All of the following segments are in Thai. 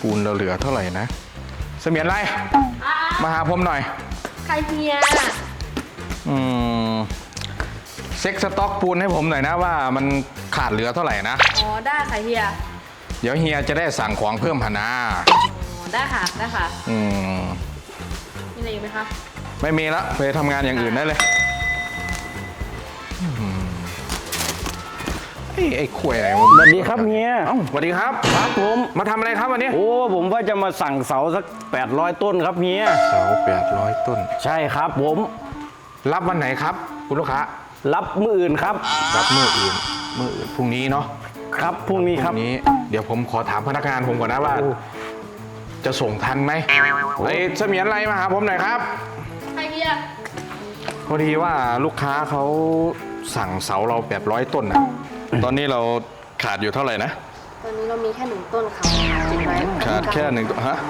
ปูนเราเหลือเท่าไหร่นะเสมียนไรมาหาผมหน่อยใครเฮียเช็คสต็อกปูนให้ผมหน่อยนะว่ามันขาดเหลือเท่าไหร่นะอ๋อได้ค่ะเฮียเดี๋ยวเฮียจะได้สั่งของเพิ่มหนาอ๋อได้ค่ะได้ค่ะมีอะไรอีกไหมคะไม่มีละไปทำงานอย่างอื่นได้เลยไอ้ข่วยอะไรสวัสดีครับเฮียสวัสดีครับครับผมมาทำอะไรครับวันนี้โอ้ผมว่าจะมาสั่งเสาสัก800ต้นครับเฮียเสา800ต้นใช่ครับผมรับวันไหนครับคุณลูกค้ารับมื้ออื่นครับรับมื้ออื่นพรุ่งนี้เนาะครับพรุ่งนี้ครับเดี๋ยวผมขอถามพนักงานผมก่อนนะว่าจะส่งทันไหมไอ้เสมียนอะไรมาหาผมหน่อยครับใครเฮียพอดีว่าลูกค้าเขาสั่งเสาเรา800ต้นนะตอนนี้เราขาดอยู่เท่าไหร่นะตอนนี้เรามีแค่1ต้นค่ะจริงไหมขาดแค่1ต้นฮะ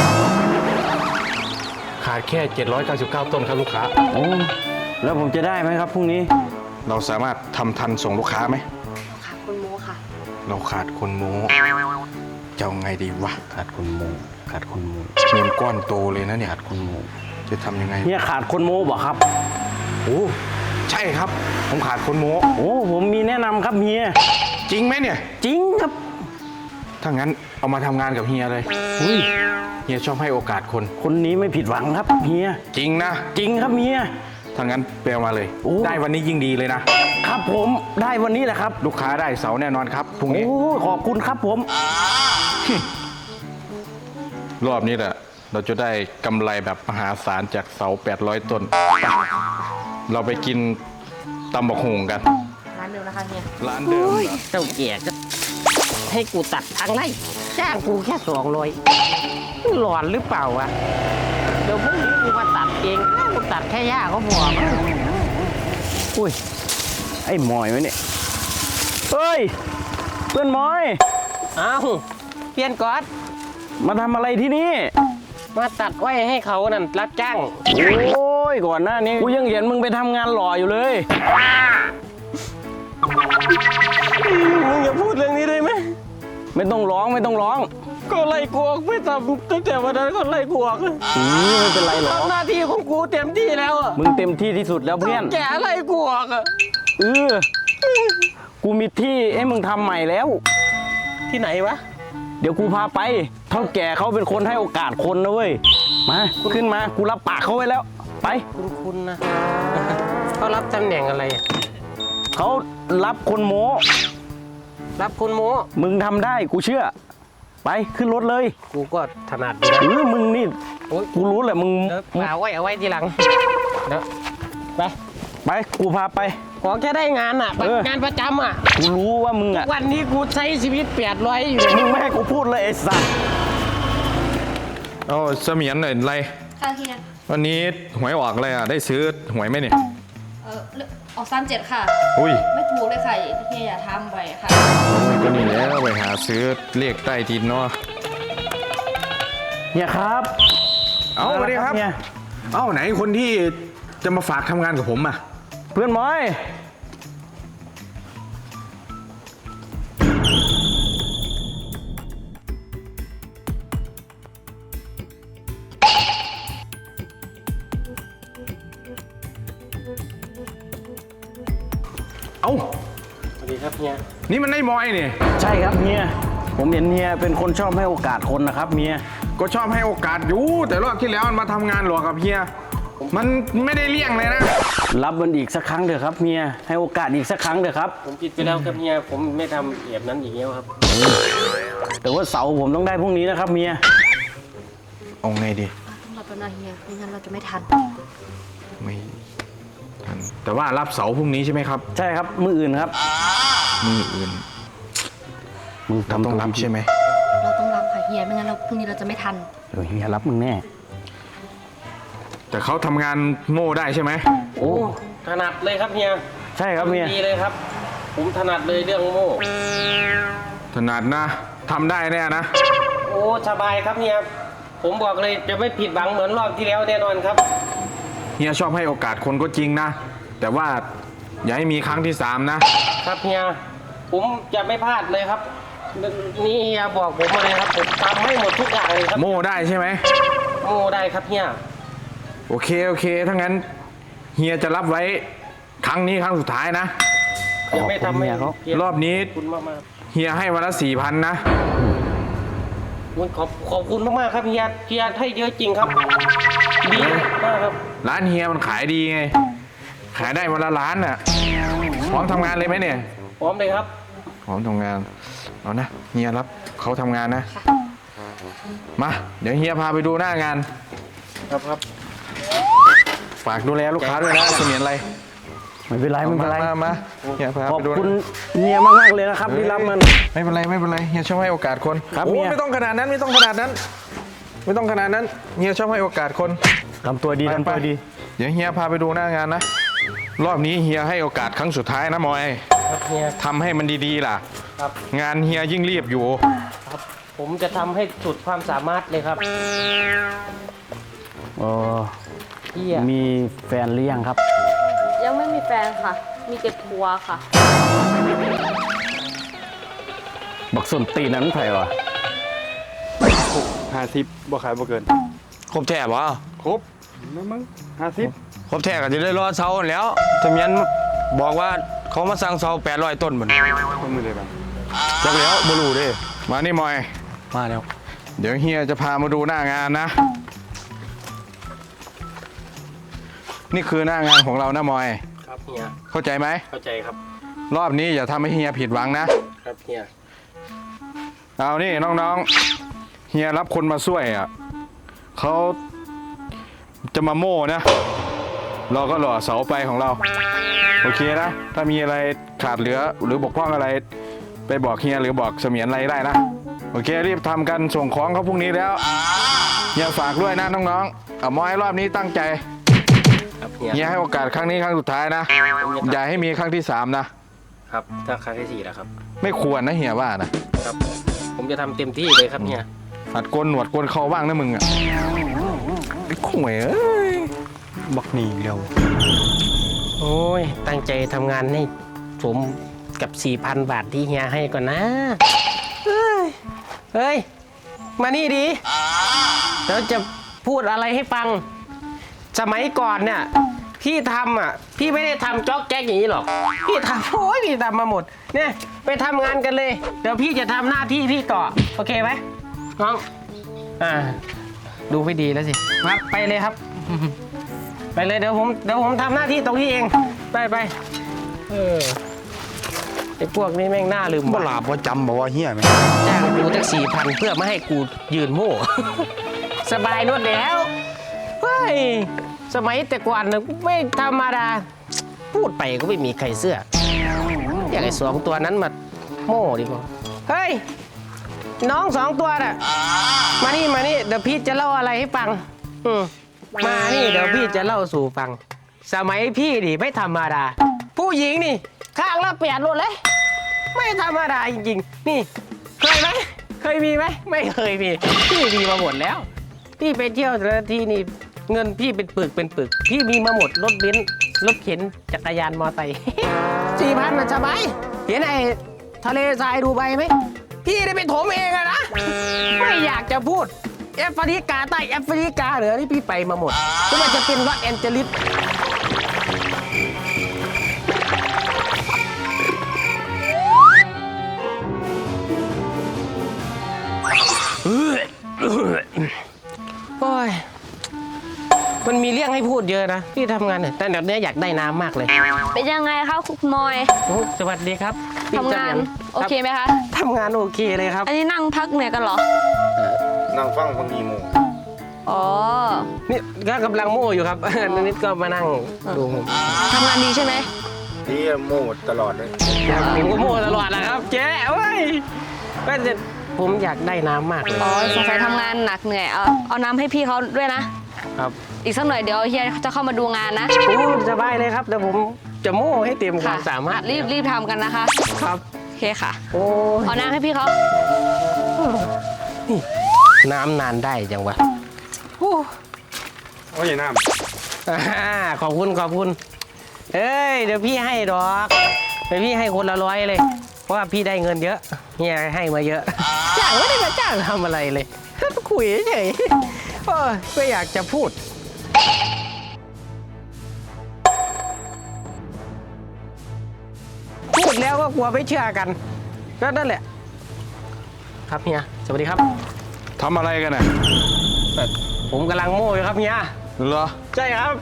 ขาดแค่799ต้นครับลูกค้าโอ้แล้วผมจะได้ไหมครับพรุ่งนี้เราสามารถทำทันส่งลูกค้าไหมขาดคนโม้ค่ะเราขาดคนโม้จะเอาไงดีวะขาดคนโม้เงินก้อนโตเลยนะเนี่ยขาดคนโม้จะทำยังไงเนี่ยขาดคนโม้บ่ครับโอ้ใช่ครับผมขาดคนโม้โอ้ผมมีแนะนำครับเฮียจริงไหมเนี่ยจริงครับถ้างั้นเอามาทำงานกับเฮียเลยเฮียชอบให้โอกาสคนนี้ไม่ผิดหวังครับเฮียจริงนะจริงครับเฮียถ้างั้นเปลมาเลยได้วันนี้ยิ่งดีเลยนะครับผมได้วันนี้แหละครับลูกค้าได้เสาแน่นอนครับพรุ่งนี้โอ้ขอบคุณครับผมรอบนี้แหละเราจะได้กำไรแบบมหาศาลจากเสา800ต้นเราไปกินตำบักหุ่งกันร้านเดิมนะคะเฮียร้านเดิมเจ้าเกียรติให้กูตัดทางไร่จ้างกูแค่200หลอนหรือเปล่าวะเดี๋ยวพรุ่งนี้กูมาตัดเองกูตัดแค่หญ้าเขาบอกอุ้ยไอ้หมอยวะเนี่ยเฮ้ยเพื่อนหมอยอ้าวเปลี่ยนก๊อตมาทำอะไรที่นี่มาตัดไว้ให้เขานั่นรับจ้างโอ้ยก่อนหน้านี้กูยังเห็นมึงไปทำงานหล่ออยู่เลยมึงอย่าพูดเรื่องนี้ได้ไหมไม่ต้องร้องก็ไล่กวกไม่ทำตั้งแต่วันนั้นก็ไล่กวกไม่เป็นไรหรอกหน้าที่ของกูเต็มที่แล้วมึงเต็มที่ที่สุดแล้วเพื่อนแกไล่กวกกูมีที่ให้มึงทำใหม่แล้วที่ไหนวะเดี๋ยวกูพาไปเท่าแก่เขาเป็นคนให้โอกาสคนนะเว้ยมาขึ้นมากูรับปากเขาไว้แล้วไปคุณนะเขารับตำแหน่งอะไรเขารับคนโม้มึงทำได้กูเชื่อไปขึ้นรถเลยกูก็ถนัดมึงนี่กูรู้แหละมึงเอาไว้ทีหลังไปกูพาไปขอแค่ได้งานงานประจำกูรู้ว่ามึงวันนี้กูใช้ชีวิต800อยู่มึงไม่ให้กูพูดเลยไอ้สัสเอาเสมียนหน่อยไรค่ะเฮียวันนี้หวยออกอะไรได้ซื้อหวยไหมเนี่ยออก37ค่ะไม่ถูกเลยค่ะเฮียอย่าทำไปค่ะก็นี่แล้วไปหาซื้อเลขใต้ดินเนาะเนี่ยครับเอาสวัสดีครับเอาไหนคนที่จะมาฝากทำงานกับผมเพื่อนม้อยสวัสดีครับเฮียนี่มันไอ้มอยนี่ใช่ครับเฮียผมเห็นเฮียเป็นคนชอบให้โอกาสคนนะครับเฮียก็ชอบให้โอกาสอยู่แต่รอบที่แล้วมันมาทำงานหลอกกับเฮียมันไม่ได้เลี่ยงเลยนะรับมันอีกสักครั้งเถอะครับเฮียให้โอกาสอีกสักครั้งเถอะครับผมผิดไปแล้วครับเฮียผมไม่ทำแบบนั้นอีกแล้วครับแต่ว่าเสาผมต้องได้พรุ่งนี้นะครับเฮียเอาไงดีต้องรับนะเฮียไม่งั้นเราจะไม่ทันแต่ว่ารับเสาพรุ่งนี้ใช่ไหมครับใช่ครับมื้ออื่นครับมื้ออื่นมึงต้องรับใช่ไหมเราต้องรับค่ะเฮียไม่งั้นเราพรุ่งนี้เราจะไม่ทันเฮียรับมึงแน่แต่เขาทำงานโง่ได้ใช่ไหมโอ้ถนัดเลยครับเฮียใช่ครับเฮียดีเลยครับผมถนัดเลยเรื่องโง่ถนัดนะทำได้แน่นะโอ้สบายครับเฮียผมบอกเลยจะไม่ผิดหวังเหมือนรอบที่แล้วแน่นอนครับเฮียชอบให้โอกาสคนก็จริงนะแต่ว่าอย่าให้มีครั้งที่3นะครับเฮียผมจะไม่พลาดเลยครับนี่เฮียบอกผมมาเลยครับผมทำให้หมดทุกอย่างเลยครับโม่ได้ใช่ไหมโม่ได้ครับเฮียโอเคถ้างั้นเฮียจะรับไว้ครั้งนี้ครั้งสุดท้ายนะยังไม่ทำให้เฮียรอบนี้ขอบคุณมากเฮียให้วันละ4,000นะๆขอบคุณมากๆครับเฮียให้เยอะจริงครับดีมากครับร้านเฮียมันขายดีไง ขายได้วันละล้านน่ะพร้อมทำงานเลยไหมเนี่ยพร้อมเลยครับพร้อมทำงานเอานะเฮียรับเขาทำงานนะมาเดี๋ยวเฮียพาไปดูหน้างานครับฝากดูแลลูกค้าด้วยนะเสมียนอะไรไม่เป็นไรไม่เป็นไรมาเฮียพาขอไปบดูคุณเมียมากๆเลยนะครับที่รับมันไม่เป็นไรเฮียชอบให้โอกาสคนครับโอ้เฮียไม่ต้องขนาดนั้นเฮียชอบให้โอกาสคนทำตัวดีทำตัวดีเดี๋ยวเฮียพาไปดูหน้างานนะรอบนี้เฮียให้โอกาสครั้งสุดท้ายนะมอยครับเฮียทำให้มันดีๆล่ะครับงานเฮียยิ่งรีบอยู่ครับ ผมจะทำให้สุดความสามารถเลยครับอ๋อเฮียมีแฟนหรือยังครับยังไม่มีแฟนค่ะ มีแต่ทัวร์ค่ะบักส้นตีนนั้นไผ่วะ 50บ่ขายบ่เกินครบแท้บ่ครบมึง50 ครบแท้ก็จะได้รอเสาหั่นแหล้วทะเมียนบอกว่าเขามาสั่งเสา800ต้นมันคนมือเลยบ้างจักแล้วบ่รู้เด้มานี่มอยมาแล้วเดี๋ยวเฮียจะพามาดูหน้างานนะ นี่คือหน้างานของเรานะมอยครับเฮียเข้าใจไหมเข้าใจครับรอบนี้อย่าทำให้เฮียผิดหวังนะครับเฮียเอานี่น้องๆ เฮียรับคนมาช่วยอ่ะเขาจะมาโม่นะ เราก็หล่อเสาไปของเรา โอเคนะ ถ้ามีอะไรขาดเหลือหรือบกพร่องอะไร ไปบอกเฮียหรือบอกเสมียนอะไรได้นะ โอเครีบทำกันส่งของเขาพรุ่งนี้แล้วเฮียฝากด้วยนะน้องๆเอามอยรอบนี้ตั้งใจครับเฮียเฮียให้โอกาสครั้งนี้ครั้งสุดท้ายนะ อย่าให้มีครั้งที่3นะครับถ้าครั้งที่ 4แล้วครับไม่ควรนะเฮียว่านะครับ ผมจะทำเต็มที่เลยครับเฮียหัดโกนหนวดโกนเขาบ้างนะมึงอ่ะไอ้ข่วยเอ้ยบักหนีเร็วโอ้ย ตั้งใจทำงานให้สมกับ 4,000 บาทที่เฮียให้ก่อนนะเฮ้ย มานี่ดีเดี๋ยวจะพูดอะไรให้ฟัง สมัยก่อนเนี่ย พี่ทำอ่ะ พี่ไม่ได้ทำจ๊อกแจ๊กอย่างนี้หรอก พี่ทำโอ้ยพี่ทำมาหมด เนี่ย ไปทำงานกันเลย เดี๋ยวพี่จะทำหน้าที่พี่ต่อ โอเคไหมน้องดูไม่ดีแล้วสิครับไปเลยครับ ไปเลยเดี๋ยวผมทำหน้าที่ตรงนี้เอง ไปไอ้พวกนี้แม่งน่าลืมบ่ว่ะหลาบบ่จำบ่ว่าเฮียแม่งจ้างกูตั้ง4,000เพื่อไม่ให้กูยืนโม่ สบายนวดแล้วเฮ้ยสมัยแต่ก่อนน่ะไม่ธรรมดา พูดไปก็ไม่มีใครเสื้อ อยากไอ้2 ตัวนั้นมาโม่ดีกว่าเฮ้ย น้อง2 ตัวน่ะมานี่เดี๋ยวพี่จะเล่าอะไรให้ฟังมานี่เดี๋ยวพี่จะเล่าสู่ฟัง สมัยพี่ดิไม่ธรรมดา ผู้หญิงนี่ข้างละ8 รถเลย ไม่ธรรมดาจริงๆ นี่เคยไหมเคยมีไหมไม่เคยมีพี่มีมาหมดแล้ว พี่ไปเที่ยวแต่ละทีนี่เงินพี่เป็นปึกพี่มีมาหมดรถเบนซ์รถเข็นจักรยานมอไซค์ 4,000มันสบายเห็นไอ้ทะเลทรายดูใบไหมพี่ได้ไปถมเองอะนะไม่อยากจะพูดแอฟริกาใต้แอฟริกาเหนือนี่พี่ไปมาหมดไม่ว่าจะเป็นลอสแอนเจลิส โอ้ย มันมีเรื่องให้พูดเยอะนะพี่ทำงานเนี่ยแต่เดี๋ยวนี้อยากได้น้ำมากเลยเป็นยังไงคะคุณมอยโอ้สวัสดีครับพี่ทำงานจำโอเคไหมคะทำงานโอเคเลยครับอันนี้นั่งพักเหนื่อยกันเหรอนั่งฟังฟังอีโมอ๋อนี่ก็กำลังโม่อยู่ครับ นิดก็มานั่งดูผมทำงานดีใช่ไหมที่โมตลอดเลยผมก็โม่ตลอดนะครับเจ๊เว้ยก็จะผมอยากได้น้ำมากเลยอ๋อสงสัยทำงานหนักเหนื่อย เอาน้ำให้พี่เขาด้วยนะครับอีกสักหน่อยเดี๋ยวเฮียจะเข้ามาดูงานนะโอ้สบายเลยครับเดี๋ยวผมจะโม่ให้เต็มความสามารถรีบทำกันนะคะครับโอเคค่ะโอ้ยเอาน้ำให้พี่เขาน้ำนานได้จังวะโอ้ยน้ขอบคุณเอ้ยเดี๋ยวพี่ให้ดอกเดี๋ยวพี่ให้คนละ100เลยเพราะว่าพี่ได้เงินเยอะำเฮียให้มาเยอะ จ้างไม่ได้มาจ้างทำอะไรเลยคุยเฉยๆโอ้ยไม่อยากจะพูด พูดแล้วก็กลัวไม่เชื่อกันก็นั่นแหละ ครับเฮียสวัสดีครับทำอะไรกันน่ะผมกำลังโม่อยู่ครับเฮียเหรอใช่ครับ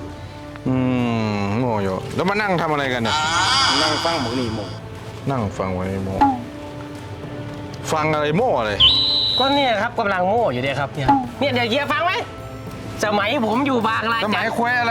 โม่อยู่แล้วมานั่งทำอะไรกันเนี่ยนั่งฟังบักนี่โมนั่งฟังไว้โม่ฟังอะไรโม่อะไรก็เนี่ยครับกำลังโม่อยู่เนี่ยครับเนี่ยเดี๋ยวเฮียฟังไหมสมัยผมอยู่บางรายสมัยแควอะไร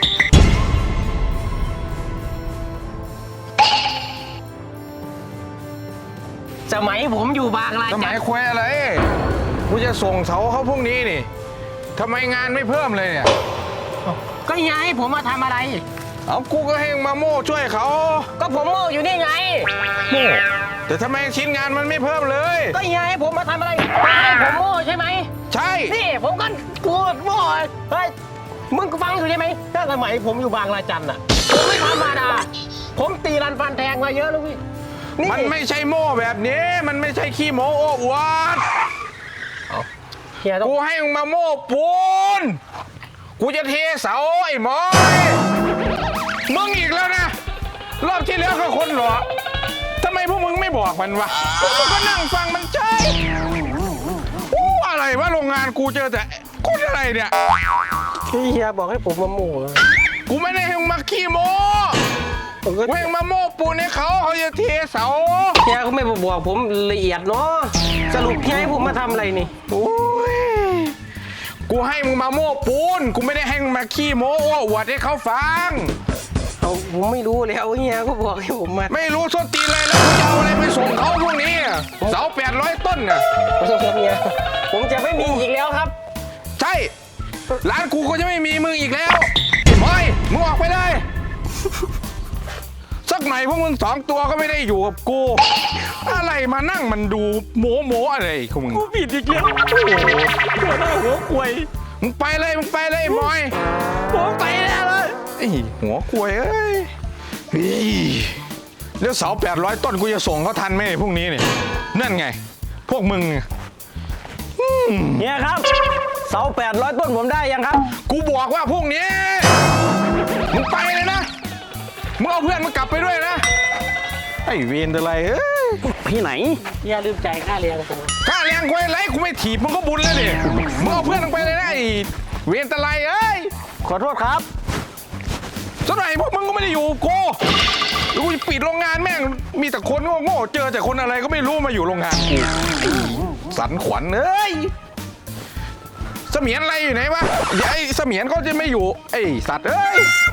สมัยผมอยู่บางรายสมัยแควอะไรกูจะส่งเสาเขาพรุ่งนี้นี่ทำไมงานไม่เพิ่มเลยเนี่ยก็เฮียให้ผมมาทำอะไรเอากูก็ให้มาโม่ช่วยเขาก็ผมโม่อยู่นี่ไงโม่แต่ทำไมชิ้นงานมันไม่เพิ่มเลยก็เฮียให้ผมมาทำอะไรให้ผมโม่ใช่ไหมใช่นี่ผมก็กูโม่เฮ้ยมึงก็ฟังอยู่ใช่ไหมถ้าสมัยผมอยู่บางรายจันทร์อ่ะผมไม่ธรรมดาผมตีรันฟันแทงมาเยอะแล้วพี่นี่มันไม่ใช่โม่แบบนี้ มันไม่ใช่ขี้โม้โอ้อวดเฮียต้องกูให้มึงมาโม่ปูนกูจะเทเสาไอ้หมอยมึงอีกแล้วนะ รอบที่แล้วก็คนหรอทำไมพวกมึงไม่บอกมันวะพวกมึงก็นั่งฟังมันใช่อะไรวะโรงงานกูเจอแต่คนอะไรเนี่ยเฮียบอกให้ผมมาโม่กูไม่ได้ให้มึงมาขี้โม้ผมก็กูให้มึงมาโม่ปูนให้เขาจะเทเสาเฮียก็ไม่บอกผมละเอียดเนาะสรุปเฮียให้ผมมาทำอะไรนี่โอ้ยกูให้มึงมาโม่ปูนกูไม่ได้ให้มึงมาขี้โม้โอ้อวดให้เขาฟังผมไม่รู้แล้วเฮียก็บอกให้ผมมาไม่รู้ส้นตีนเลยแล้วกูจะเอาอะไรไปส่งเขาพวกนี้อะเสา800 ต้นน่ะขอโทษครับเฮียผมจะไม่มีอีกแล้วครับใช่ร้านกูก็จะไม่มีมึงอีกแล้วไอ้บอยมึงออกไปเลยสักหน่อยพวกมึง2 ตัวก็ไม่ได้อยู่กับกูอะไรมานั่งมันดูโม้อะไรของมึงกูผิดอีกแล้วโอ้โหหัวหน้าหัวควยมึงไปเลยไอ้บอยผมไปแล้วเลยไอ้หัวควยเอ้ยแล้วเสา800 ต้นกูจะส่งเขาทันไหมพรุ่งนี้เนี่ยนั่นไง พวกมึงเฮียครับเสา800 ต้นผมได้ยังครับกูบอกว่าพรุ่งนี้มึงไปเลยนะมึงเอาเพื่อนมึงกลับไปด้วยนะไอ้เวรอะไรเอ้ยพี่ไหนเฮียลืมใจายค่าเรียนผมค่าแรงควยไรกูไม่ถีบมึงก็บุญแล้วดิมึงเอาเพื่อนมึงไปเลยนะไอ้เวรอะไรเอ้ยขอโทษครับสักหน่อยพวกมึงก็ไม่ได้อยู่กับกูแล้วกูจะปิดโรงงานแม่งมีแต่คนโง่ๆเจอแต่คนอะไรก็ไม่รู้มาอยู่โรงงานกูไอ้สันขวัญเอ้ยเสมียนอะไรอยู่ไหนวะไอ้เสมียนเขาจะไม่อยู่ไอ้สัตว์เอ้ย